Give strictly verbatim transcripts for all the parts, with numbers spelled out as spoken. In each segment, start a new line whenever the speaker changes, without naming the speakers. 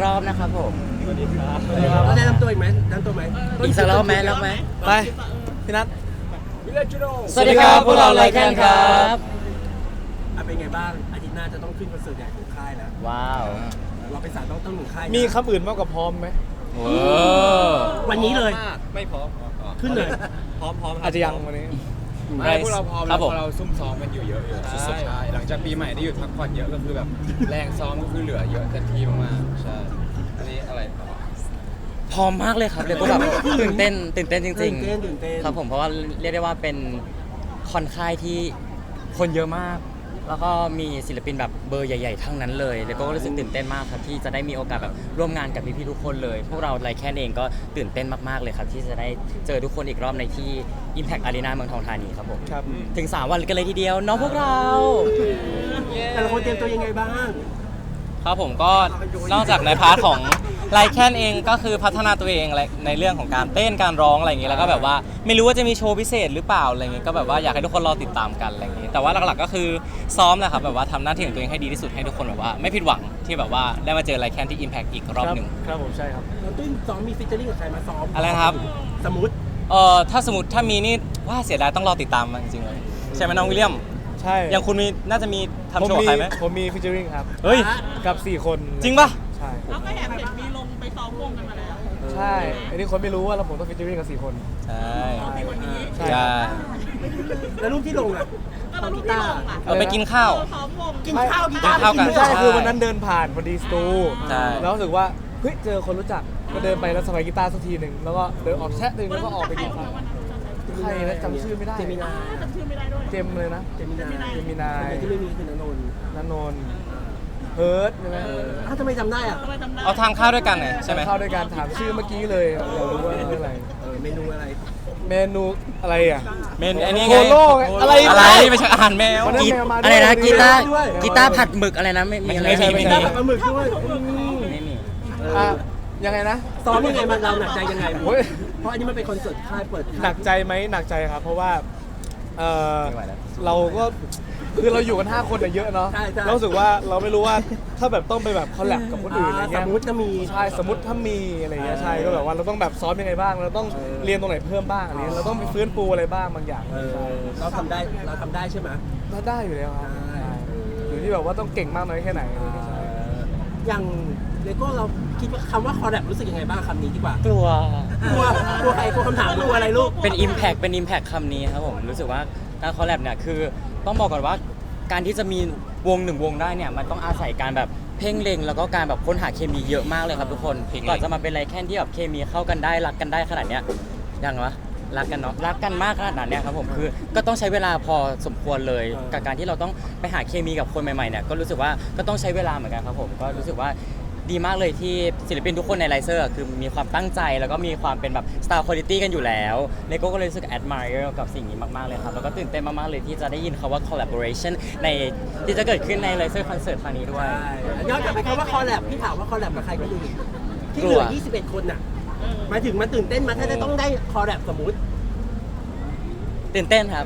รอบนะครับผม
สวัสดีครับ
เราได้นำตัวอีกไหมนำตัวไหม
อีกสักรอบไหมรอบไหม
ไปพี่นัท
วิลเลจโร
สวัสดีครับพวกเราไลแคนครับ
เป็นไงบ้างอาทิตย์หน้าจะต้องขึ้นคอนเสิร์ตใหญ่ของค่ายแล้ว
ว้าว
เราเป็นสายต้องต้องหนึ่งค่าย
มีคำอื่นมากกว่าพร้อมไหม
โอ้
วันนี้เลย
ไม่พร้อม
ขึ้นเลย
พร้อมพร้อม
อาจจะยังวันนี้
ไม่พวกเราพร้อม
ครั
แล้
บ
ว
ผม
พอเราซุ่มซ้อมกันอยู่เยอะอยู่ใช่หลังจากปีใหม่ได้หยุดพักผ่อนเยอะก็คือแบบแรงซ้อมก็คือเหลือเยอะเต็มที่มากๆใช่อันนี้อะไรต่อ
พร้อมมากเลยครับเลยก็แบบตื่นเต้นตื่นเต้นจริง
ตื่นเต้นตื่นเต้น
ๆครับผมเพราะว่าเรียกได้ว่าเป็นคอนค่ายที่คนเยอะมาก แล้วก็มีศิลปินแบบเบอร์ใหญ่ๆทั้งนั้นเลยแล้วก็รู้สึกตื่นเต้นมากครับที่จะได้มีโอกาสแบบร่วมงานกับพี่ๆทุกคนเลย พวกเราไลแคนเองก็ตื่นเต้นมากๆเลยครับที่จะได้เจอทุกคนอีกรอบในที่ Impact Arena เมืองทองธานีครับผม
ครับ
ถึงสามวันกันเลยทีเดียวน้องพวกเรา
แต่ละคนเตรียมตัวยังไงบ้าง
ครับผมก็นอกจากในพาร์ทของไลแคนเองก็คือพัฒนาตัวเองในเรื่องของการเต้นการร้องอะไรอย่างนี้แล้วก็แบบว่าไม่รู้ว่าจะมีโชว์พิเศษหรือเปล่าอะไรอย่างนี้ก็แบบว่าอยากให้ทุกคนรอติดตามกันอะไรอย่างนี้แต่ว่าหลักๆก็คือซ้อมแหละครับแบบว่าทำหน้าที่ของตัวเองให้ดีที่สุดให้ทุกคนแบบว่าไม่ผิดหวังที่แบบว่าได้มาเจอไลแคนที่ Impact อีกรอบหนึ่ง
ครับผมใช่ครับ
เราตุ้นซ้อมมีฟิชเจอริ่งกับใครมาซ้อม
อะไรนะครับ
สมมติ
เอ่อถ้าสมมติถ้ามีนี่ว่าเสียดายต้องรอติดตามมันจริงๆเลยใช่ไหมน้องวิลเลียม
ใช่
อย่างคุณมีน่าจะมีทำ
ผม
โชว์กับ
มี
ใครไหม
ผมมีฟิชเจอริงครับ
เฮ้ย
กับสี่คน
จริงปะ
ใช่
เราก็แอบเห็นมีลงไปซ้อมวงกันมาแล้ว
ใช่อันนี้คนไม่รู้ว่าเราผมต้องฟิชเจอริงกับสี่คน
ใช่
ในวันนี้
ใช่
ใช่
แล้วรูปที่ลงอ่ะ
ก็เราลูกที่ลงอ่ะ
เราไปกินข้าว
ซ้อมวง
กินข้าวกินข้าว
กินข้าวกัน
ไม่ใช่คือวันนั้นเดินผ่านพอดีสตู
ใช่
แล้วรู้สึกว่าเฮ้ยเจอคนรู้จักก็เดินไปแล้วสบายกีตาร์สักทีหนึ่งแล้วก็เดินออกแชะหนึ่งแล้วก็ออกไปกินข้าวใครนะจำชื่อไม่ได้
เจมินา
จำชื่อไม่ได้ด้วย
เจมเลยนะ
เจมินา
เจมินาย
ที่ไม่มีคือนนนท์
นันนนท์เฮิร์ตใช่ไหม
อ้าวทำไมจำได้อ่ะ
ทำไมจำได้
เอาทานข้าวด้วยกันไงใช่ไหม
เข้าด้วยการถามชื่อเมื่อกี้เลยอยากรู้ว่าเรื่องอะไร
เออเมนูอะไร
เมนูอะไรอ่ะ
เมนไอ้นี่
โค
ไง
โล่ไงอะไร
อะไรไม่ใช่อาหารแมว
วันนั้น
กี
แมวมาด้วย
อะไรนะกีตาร์
ด้วย
กีตาร์ผัดหมึกอะไรนะไม่มีอะไร
ไม่ใช่ไม่ใช่
ได้แบบปลาหมึกด้วยอืม
ไม่มี
อ่ะยังไงนะ
ซ้อมยังไงมันเราหนักใจยังไง
โอ้ย
เพราะอันนี้มันเป็นคอนเสิร์ตค่ายเปิดค่าย
หนักใจไหมหนักใจครับ เพราะว่าเออ
ไม่ไหวแล้ว
เราก็คือเราอยู่กันห้าคนอะเยอะเนาะ
ใช่ใช่
เรารู้สึกว่าเราไม่รู้ว่าถ้าแบบต้องไปแบบคอลแลบกับคนอื่นอะไร
ส
เงี้ย
มมติจะมี
ใช่สมมติถ้ามีอะไรเงี้ยใช่ก็แบบว่าเราต้องแบบซ้อมยังไงบ้าง เราต้อง
เออ
เรียนตรงไหนเพิ่มบ้างอะไรเงี้ยเราต้องไปฟื้นฟูอะไรบ้างบางอย่าง
เออ
ใช่
เราทำได้เราทำได้ใช่ไหม
เราได้อยู่แล้วครับ
ใช่
อยู่ที่แบบว่าต้องเก่งมากน้อยแค่ไหนอะไรเงี้ยใช่
อย่างเลโก้เราคิดว่าคำว่าคอร์แรปรู้สึกยังไงบ้างคำนี้ดีกว่าก
ลัว
กลัวกลัวใครกลัวคำถามกลัวอะไรลูก
เป็น Impact เป็น Impact คำนี้ครับผมรู้สึกว่าการคอลแลบเนี่ยคือต้องบอกก่อนว่าการที่จะมีวงหนึ่งวงได้เนี่ยมันต้องอาศัยการแบบเพ่งเล็งแล้วก็การแบบค้นหาเคมีเยอะมากเลยครับทุกคนก่อนจะมาเป็นไรแค่ที่แบบเคมีเข้ากันได้รักกันได้ขนาดเนี้ยยังวะรักกันเนาะรักกันมากขนาดนั้นเนี่ยครับผมคือก็ต้องใช้เวลาพอสมควรเลยกับการที่เราต้องไปหาเคมีกับคนใหม่ๆเนี่ยก็รู้สึกว่าก็ต้องใช้เวลาเหมือนกันครับผมก็รู้สึกว่าดีมากเลยที่ศิลปินทุกคนในไลเซอร์คือมีความตั้งใจแล้วก็มีความเป็นแบบ style quality กันอยู่แล้วเลโก้ก็เลยรู้สึก admire กับสิ่งนี้มากๆเลยครับแล้วก็ตื่นเต้นมากๆเลยที่จะได้ยินคำว่า collaboration ในที่จะเกิดขึ้นในไลเซอร์คอนเสิร์ตครั้งนี้ด้วย
ย้อนกลับไปคำว่าคอร์แรปพี่ถามว่าคอร์แรปกับใครก็ดูดิที่
ก
เห
ลั
ลื
ว
อยี่สิบเอ็ดคนน่ะหมายถึงมันตื่นเต้นมาถ้าจะต้องได้คอร์แรปสมมุติ
ตื่นเต้นครับ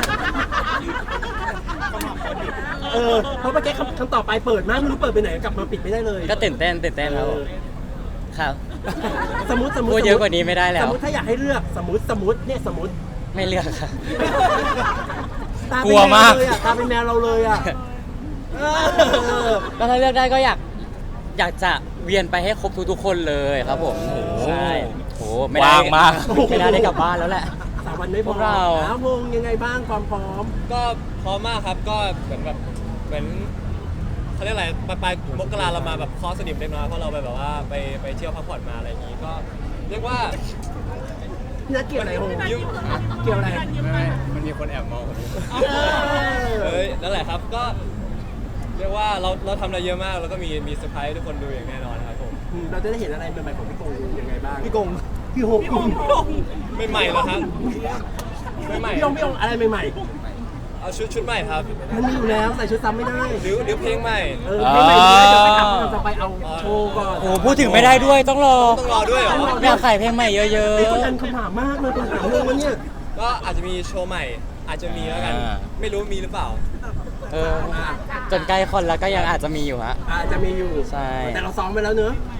เออเพราะเมื่อกี้คำคำต่อไปเปิดมากไม่รู้เปิดไปไหนกลับมาปิดไม่ได้เลย
ก็ตื่นเต้นตื่นเต้นครับผมครับ
สมมติสมมติ
พูดเยอะกว่านี้ไม่ได้แล้ว
สมมติถ้าอยากให้เลือกสมมติสมมติเนี่ยสมมติ
ไม่เลือกครับ
ตาเป็น
กลัว
แม
มาก
วเลยอ่ะตาเป็นแมวเราเลยอ่ะเออ
ก็ถ้าเลือกได้ก็อยากอยากจะเวียนไปให้ครบทุกๆคนเลยครับผมใช่โอ้ไม่ได้
ว่างมาก
ไม่น่าได้กลับบ้านแล้วแหละ
สามวันไม่พ
พ
อ
วกเรา
อ้าววงยังไงบ้างความพร้อม
ก็พร้อมมากครับก็เหมือนแบบเหมือนเขาเรียกอะไรปลายปลายมกราเรามาแบบคอสนิมเล็กน้อยเพราะเราไปแบบว่าไปไปเที่ยวพักผ่อนมาอะไรอย่างงี้ก็เรียกว่า
พี่นัทเกี่ยวอะไรโฮเกี่ยวอะไร
ไม่มันมีคนแอบมองผมเฮ้ยนั่นแหละครับก็เรียกว่าเราเราทำอะไรเยอะมากแล้วก็มีมีเซอร์ไพรส์ให้ทุกคนดูอย่างแน่นอนครับผม
อืมเราจะได้เห็นอะไรใหม่ๆของพี่กงยังไงบ้าง
พี่กง
พี่โฮพี่โฮ
ไม่ใหม่แล้วครับไม่ใหม่
พี่โฮพี่โฮอะไรใหม่
เอาชุดชุดใหม่ครับ
ๆมันมีอยู่แล้วใส่ชุดซ้ำไม่ได้
หรือหรือเพลงใหม่
เออไม่ใหม่ไม่ได้จะไปทำเราจะไปเอาโชว์ก่อน
โอ้พูดถึงไม่ได้ด้วยต้องรอ
ต้องรอด้วยเหรอ
อยากขายเพลงใหม่เยอะ
เป็นคนอันคำถามมากเลยคำถามเรื่องวันเนี้ย
ก็อาจจะมีโชว์ใหม่ อาจจะมีแล้วกัน ไม่รู้มีหรือเปล่า
ๆเออจนใกล้คนแล้วก็ยังอาจจะมีอยู่ฮะ
อาจจะมีอยู่
ใช่
แต่เราซ้อมไปแล้วเนอะ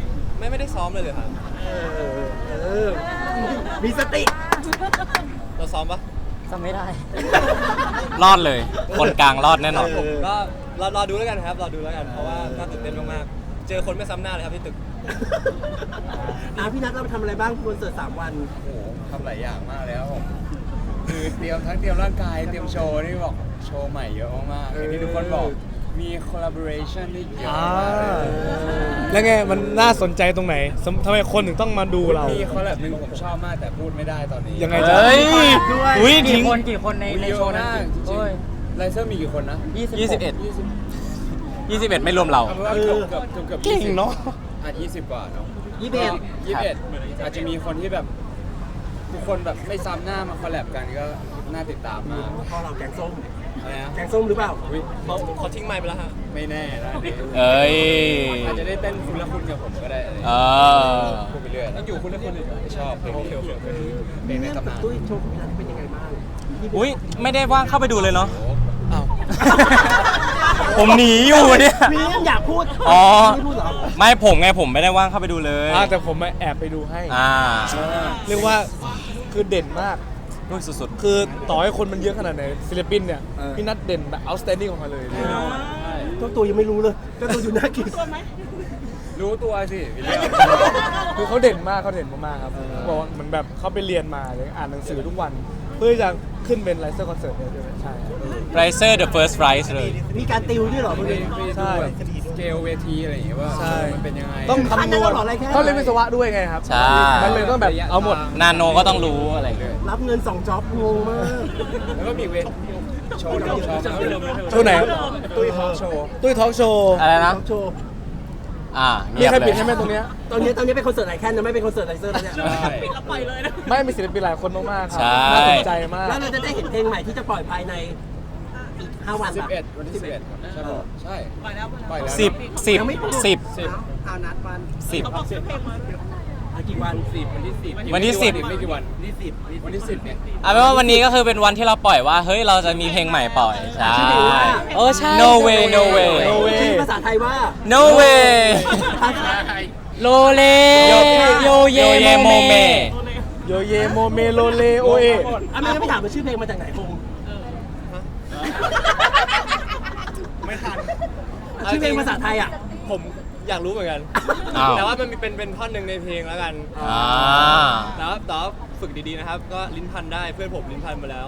ไม่ไม่ได้ซ้อมเลยเลยครับ
เออเออมีสติ
เราซ้อมปะ
จำไม่ได้
รอดเลย คนกลางรอดแน่นอน
เออ
ก็รอรอดูแล้วกันครับรอดูแล้วกันเพราะว่าน่าตื่นเต้นมากๆเจอคนไม่ซ้ำหน้าเลยครับที่ตึก
อ่ะพี่นัทเราไปทำอะไรบ้างคอนเสิร์ตสามวัน
โอ้โหทำหลายอย่างมากเลยครับผม คือเตรียมทั้งเตรียมร่างกาย เตรียมโชว์นี่บอกโชว์ใหม่เยอะมากๆอย่างที่ทุกคนบอก มี collaboration ที่เยอะ
อ่าม
ากเลย
แล้วไงมันน่าสนใจตรงไหนสำทำไมคนถึงต้องมาดูเรา
มีคอลแลบหนึ่งผมชอบมากแต่พูดไม่ได้ตอนนี้
ยังไงจ๊ะ
เฮ้ย
ด้วย
อุ้ย
กี่
ทิ้ง
คนกี่คนในใน
เย
โช
อะ
ว์นั้น
มากจริง
โอ้ย
ๆไลเซอร์มีกี่คนนะ
ยี่สิบเอ็ด
ยี่สิบ
ยี่สิบเอ็ดไม่รวมเรา
เอาเป็นว่าเกือบเกือบเกือบเกือบ
เก่งเนอะ
อ่ะยี่สิบกว่าเนาะ
ยี่สิบเอ็ด
ยี่สิบเอ็ดอาจจะมีคนที่แบบ ทุกคนแบบไม่ซ้ำหน้ามาคอลแลบกันก็น่าติดตามมาก
พอเราแกงส้ม
อะไรนะ
แกงส้มหรือเปล่า
อุ๊ย
เขาเขาทิ้งไมค์ไปแล้วฮะ
ไม่แน่นะอันนี้
เอ้ย
อาจจะได้เต้นคุณละคุณกับผมก็ได้อะไร
เออ
พูดไปเรื่อยต้องอยู่คุณละคุณชอบเพลงนี้เพลงในตำนาน
ตุ้ยโชว์ของพี่นัทเป็นยังไงบ้าง
อุ้ยไม่ได้ว่างเข้าไปดูเลยเนาะ
อ้าว
ผมหนีอยู่เนี่ย
มียังอยากพูด
อ๋อ
ไม่พูดเหรอ
ไม่ผมไงผมไม่ได้ว่างเข้าไปดูเลย
อ่าแต่ผมมาแอบไปดูให้
อ่า
เรียกว่าคือเด่นมาก
ด้วยสุด
คือต่อให้คนมันเยอะขนาดไหนศิลปินเนี่ยพี่นัทเด่นแบบ outstanding ของเขาเลย
เจ้าตัวยังไม่รู้เลยเจ้าตัวอยู่น่ากิน
ตัวไหม
รู้ตัวสิพี่เลี้ยง
คือเขาเด่นมากเขาเด่นมากๆครับบอกว่าเหมือนแบบเขาไปเรียนมาเลยอ่านหนังสือทุกวัน เพื่อจะขึ้นเป็นไลเซอร์คอนเสิร์ตเนี่ยใช่ไหมใช่ครับ
ๆ Riser the first rise เลย
มีการติวด้วยเหรอ
ไป
คุณ
ไป
เอง
ดูแบบสเกลเวทีอะไรอย่างเงี้ยว่า
ใช่
มันเป็นยังไง
ต้องคำนวณ
ขั้นนั้นเหรออะไรแค่
เขาเรียนวิศวะด้วยไงครับ
ใช่
มันเลยต้องแบบเอาหมด
นาโนก็ต้องรู้อะไรอย่างเงี้ย
รับเงินสองจ็อบงงมาก
แล้วก็มีเวทโชว์หนึ่งโชว์
โชว์ไหนครับ
ตุ้ยทอล์กโชว์
ตุ้ยทอล์กโชว์
อะไรนะ
โชว์
อ่า
มี
เงียบ
ใคร
เล
ปิด
ย
ให้ไหมตรงเนี้ย
ตอนนี้ตอนนี้เป็นคอนเสิร์ตไอแคนนะไม่เป็นคอนเสิร์ตไลเซอร์แล้วเนี่ย
ใช่
ปิดแล้วปล่อยเลยนะ
ไม่มีศิลปินหลายคนมากๆครั
ใช่
น่าสนใจมาก
แล้วเราจะได้เห็นเพลงใหม่ที่จะปล่อยภายในอีกห้าวัน
สิบ
ปะ
เอ็ดวันที่สิบเอ็ดครับใช่ป่ะใช่
ปล่อยแล้ว
ปล่อยแล้ว
สิบสิบ
ยังไม่ปล่อย
สิบ
สิบ
เอานัดวัน
สิบ
เขาบอกชื่อเพลงมา
อ่ะกี่วัน
สิบวันที่สิบ
วันที่สิบ
ไม่กี่วัน
ที่สิบ
วันที่สิบเนี่ย
เอาเป็นว่าวันนี้ก็คือเป็นวันที่เราปล่อยว่า เฮ้ย เราจะมีเพลงใหม่ปล่อย ใช่
เออใช่
No way no way
No way
ชื่อภาษาไทยว่า
no way
ภาษา
โลเล
โย
โยเย
โยเยโมเม
โยเยโมเมโลเลโอเอ
อ่ะไม่งั้นไม่ถามว่าชื่อเพลงมาจากไหนคง
ไม่ทัน
ชื่อเพลงภาษาไทยอ่ะ
ผมอยากรู้เหมือนกัน
อ้าว
แต่ว่ามันมีเป็นเป็นท่อนหนึ่งในเพลงแล้วกัน
อ่า
แต่ว่าแต่ว่าฝึกดีๆนะครับ ก็ลิ้นพันได้เพื่อนผมลิ้นพันมาแล้ว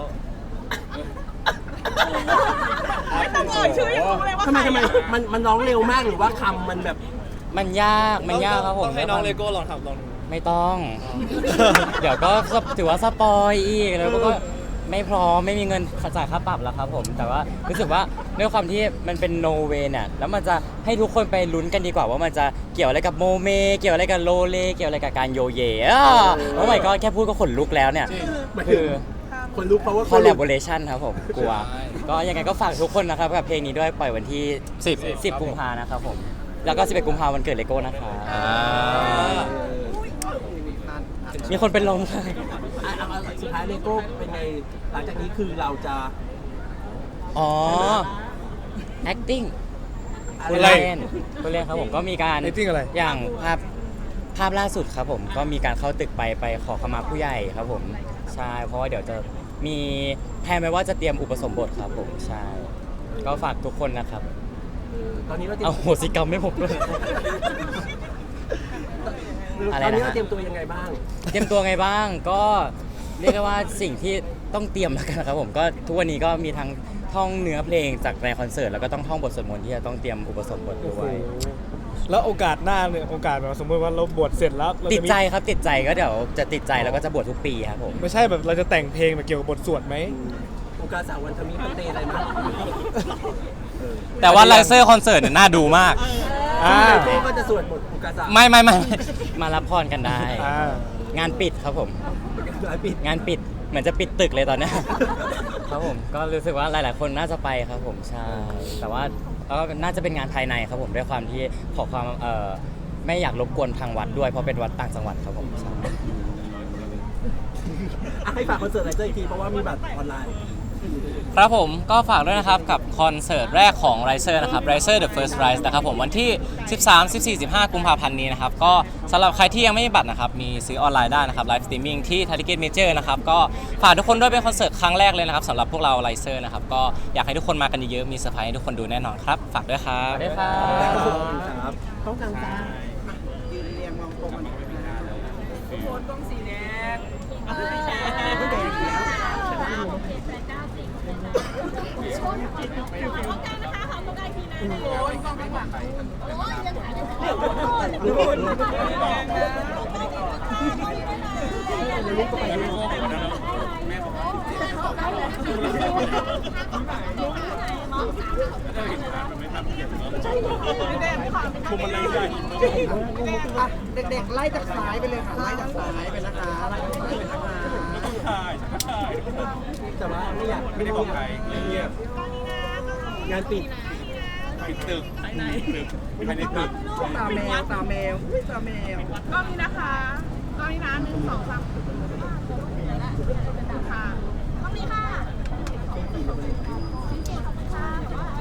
ไม่ต้องเอ่ยชื่อให้รู้เลยว่า
ทำไม
ใคร
ทำไม
อะ
มันมันร้องเร็วมากหรือว่าคำมันแบบ
มันยากมันยากครับผม
ต้องให้น้องเลโก้ลองทำลองดู
ไม่ต้อง เดี๋ยวก็ถือว่าสปอยอีกแล้วก็ไม่พร้อมไม่มีเงินจ่ายค่าปรับแล้วครับผม แต่ว่ารู้สึกว่าด้วยความที่มันเป็นโนเวเนี่ยแล้วมันจะให้ทุกคนไปลุ้นกันดีกว่าว่ามันจะเกี่ยวอะไรกับโมเม เกี่ยวอะไรกับโลเล เกี่ยวอะไรกับการโยเยอ่ะโอ้ my god แค่พูดก็ขนลุกแล้วเนี่ย
หมายถึ
คื
ง
อ
คนลุกเพราะว่า
collaboration ครับผมกลัว ก็ยังไงก็ฝากทุกคนนะครับกับเพลงนี้ด้วยปล่อยวันที่
สิบ
สิบกุมภานะครับผม แล้วก็สิบเอ็ดกุมภาวันเกิดเลโก้นะคะ
อ่า
มีคนเป็นลมค่ะ
อ่ะเอาเอาสุดท้ายเลโก้เป็นไงหลังจากนี้คือเราจะ
อ๋อ acting คุณ
อะไร
เล่นคุณเล่นครับผมก็มีการ
acting อะไร
อย่างภาพภาพล่าสุดครับผมก็มีการเข้าตึกไปไปขอขมาผู้ใหญ่ครับผมใช่เพราะว่าเดี๋ยวจะมีแพลนไว้ว่าจะเตรียมอุปสมบทครับผมใช่ก็ฝากทุกคนนะครับ
ตอนนี้เราเตรีย
เอา
ม
โหสิกรรมไม่ผมด้วย อะไร
ตอนนี้
นะฮะ
เราเตรียมตัวยังไงบ้าง
เตรียมตัวไงบ้างก็เรียกได้ว่าสิ่งที่ต้องเตรียมแล้วกันนะครับผมก็ทุกวันนี้ก็มีทั้งท่องเนื้อเพลงจากในคอนเสิร์ตแล้วก็ต้องท่องบทสวดมนต์ที่จะต้องเตรียมอุปสมบทด้วย
แล้วโอกาสหน้าเนี่ยโอกาสแบบสมมติว่าเราบวชเสร็จแล้วเรา
ติด
จะมี
ใจครับติดใจก็เดี๋ยวจะติดใจแล้วก็จะบวชทุกปีครับผม
ไม่ใช่แบบเราจะแต่งเพลงแบบเกี่ยวกับบทสวดไหม
โอกาสสาววันทมิพันเตอะไรมั้ง
แต่ว่าไลเซอร์คอนเสิร์ตเนี่ยน่าดูมาก
อ่า
เลโก้ก็จะสวดบทโอกาสสาว
ไม่ไม่ไม่ไม่
มารับพรกันได้
อ่า
งานปิดครับผม
หลายปี
งานปิดเหมือนจะปิดตึกเลยตอนเนี้ย ครับผมก็รู้สึกว่าหลาย ๆ คนน่าจะไปครับผมใช่แต่ว่าก็น่าจะเป็นงานภายในครับผมด้วยความที่ขอความเอ่อไม่อยากรบกวนทางวัดด้วยเพราะเป็นวัดต่างจังหวัดครับผมใช่
อ่ะให้ฝากคอนเสิร์ตไลเซอร์อีกทีเพราะว่ามีบัตรออนไลน์
ครับผมก็ฝากด้วยนะครับกับคอนเสิร์ตแรกของ Riser นะครับ Riser The First Rise นะครับผมวันที่ สิบสาม สิบสี่ สิบห้า กุมภาพันธ์นี้นะครับก็สำหรับใครที่ยังไม่มีบัตรนะครับมีซื้อออนไลน์ได้นะครับไลฟ์สตรีมมิ่งที่ Ticket Major นะครับก็ฝากทุกคนด้วยเป็นคอนเสิร์ตครั้งแรกเลยนะครับสำหรับพวกเรา Riser นะครับก็อยากให้ทุกคนมากันเยอะๆมีเซอร์ไพรส์ให้ทุกคนดูแน่นอนครับฝากด้วยครับ
สวัสดีครับ
ครับต้องการจ้า
ยืนเรียงมองตรงกันทุกคนต้องสีแดงเออ
ไม่แดงอีกแล้ว
เด็กๆไล่จากซ้ายไปเลยค่ะไล่จากซ้ายไปนะคะไล่จากซ้ายไปนะคะ
แต่ว่าไม่อยากไม่ได้บอกใครเงียบงานปิด
ปิดตึกภายในตึกภายในตึก
ตาแมวตาแมวอุ๊ยตาแมวกล้องนี้นะคะ